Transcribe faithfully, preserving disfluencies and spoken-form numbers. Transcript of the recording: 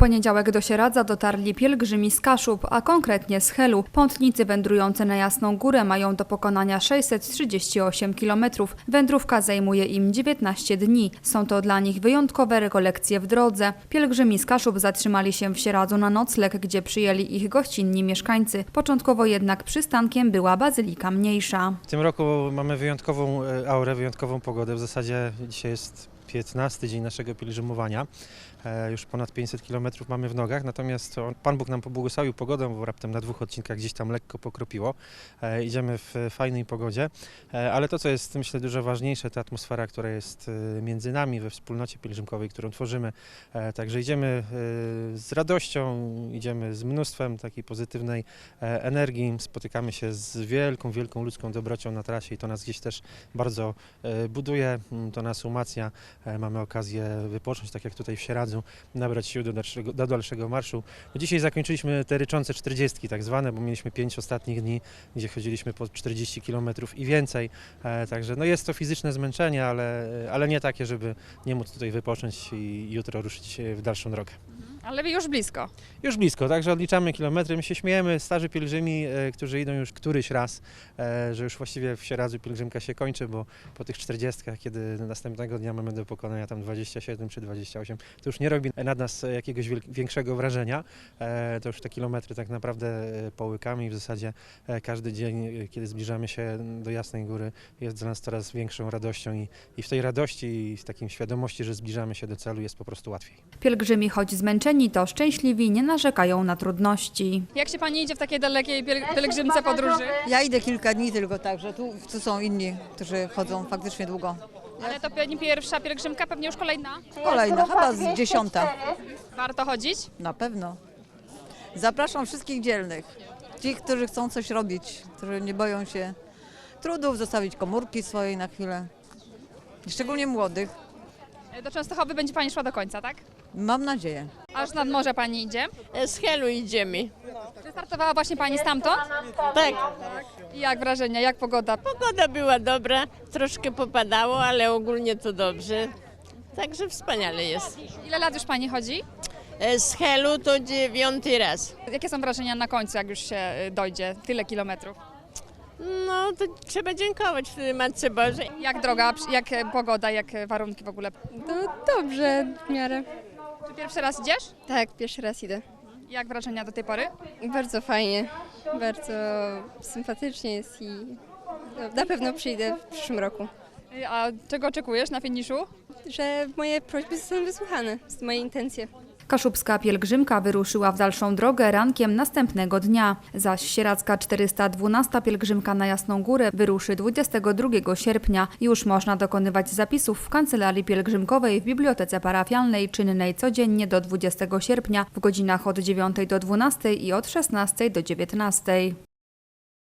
poniedziałek do Sieradza dotarli pielgrzymi z Kaszub, a konkretnie z Helu. Pątnicy wędrujący na Jasną Górę mają do pokonania sześćset trzydzieści osiem kilometrów. Wędrówka zajmuje im dziewiętnaście dni. Są to dla nich wyjątkowe rekolekcje w drodze. Pielgrzymi z Kaszub zatrzymali się w Sieradzu na nocleg, gdzie przyjęli ich gościnni mieszkańcy. Początkowo jednak przystankiem była Bazylika Mniejsza. W tym roku mamy wyjątkową aurę, wyjątkową pogodę. W zasadzie dzisiaj jest piętnasty dzień naszego pielgrzymowania. Już ponad pięćset kilometrów mamy w nogach, natomiast Pan Bóg nam pobłogosławił pogodą, bo raptem na dwóch odcinkach gdzieś tam lekko pokropiło. Idziemy w fajnej pogodzie, ale to, co jest myślę dużo ważniejsze, to atmosfera, która jest między nami we wspólnocie pielgrzymkowej, którą tworzymy. Także idziemy z radością, idziemy z mnóstwem takiej pozytywnej energii, spotykamy się z wielką, wielką ludzką dobrocią na trasie i to nas gdzieś też bardzo buduje, to nas umacnia. Mamy okazję wypocząć, tak jak tutaj w Sieradzu, nabrać sił do dalszego, do dalszego marszu. Dzisiaj zakończyliśmy te ryczące czterdziestki tak zwane, bo mieliśmy pięć ostatnich dni, gdzie chodziliśmy po czterdzieści kilometrów i więcej. E, także no jest to fizyczne zmęczenie, ale, ale nie takie, żeby nie móc tutaj wypocząć i jutro ruszyć w dalszą drogę. Ale już blisko. Już blisko, także odliczamy kilometry. My się śmiejemy, starzy pielgrzymi, e, którzy idą już któryś raz, e, że już właściwie w Sieradzu pielgrzymka się kończy, bo po tych czterdziestkach, kiedy następnego dnia mamy do pokonania tam dwadzieścia siedem czy dwadzieścia osiem, to już nie robi nad nas jakiegoś większego wrażenia. E, to już te kilometry tak naprawdę połykamy i w zasadzie e, każdy dzień, kiedy zbliżamy się do Jasnej Góry, jest dla nas coraz większą radością i, i w tej radości i w takim świadomości, że zbliżamy się do celu, jest po prostu łatwiej. Pielgrzymi, choć zmęczeni, to szczęśliwi, nie narzekają na trudności. Jak się Pani idzie w takiej dalekiej piel- pielgrzymce podróży? Ja idę kilka dni tylko, także tu, tu są inni, którzy chodzą faktycznie długo. Ale to nie pierwsza pielgrzymka, pewnie już kolejna. Kolejna, chyba z dziesiąta. Warto chodzić? Na pewno. Zapraszam wszystkich dzielnych, tych, którzy chcą coś robić, którzy nie boją się trudów, zostawić komórki swojej na chwilę. Szczególnie młodych. Do Częstochowy będzie Pani szła do końca, tak? Mam nadzieję. Aż nad morze Pani idzie. Z Helu idziemy. Wystartowała właśnie Pani stamtąd? Tak, I jak wrażenia, jak pogoda? pogoda była dobra, troszkę popadało, ale ogólnie to dobrze. Także wspaniale jest. Ile lat już Pani chodzi? Z Helu to dziewiąty raz. Jakie są wrażenia na końcu, jak już się y, dojdzie tyle kilometrów? No to trzeba dziękować Matce Bożej. Jak droga, jak e, pogoda, jak e, warunki w ogóle? No dobrze, w miarę. Czy pierwszy raz idziesz? Tak, pierwszy raz idę. Jak wrażenia do tej pory? Bardzo fajnie, bardzo sympatycznie jest i no, na pewno przyjdę w przyszłym roku. Y, A czego oczekujesz na finiszu? Że moje prośby zostaną wysłuchane, z moje intencje. Kaszubska pielgrzymka wyruszyła w dalszą drogę rankiem następnego dnia, zaś sieradzka czterysta dwunasta pielgrzymka na Jasną Górę wyruszy dwudziestego drugiego sierpnia. Już można dokonywać zapisów w kancelarii pielgrzymkowej w Bibliotece Parafialnej, czynnej codziennie do dwudziestego sierpnia w godzinach od dziewiątej do dwunastej i od szesnastej do dziewiętnastej.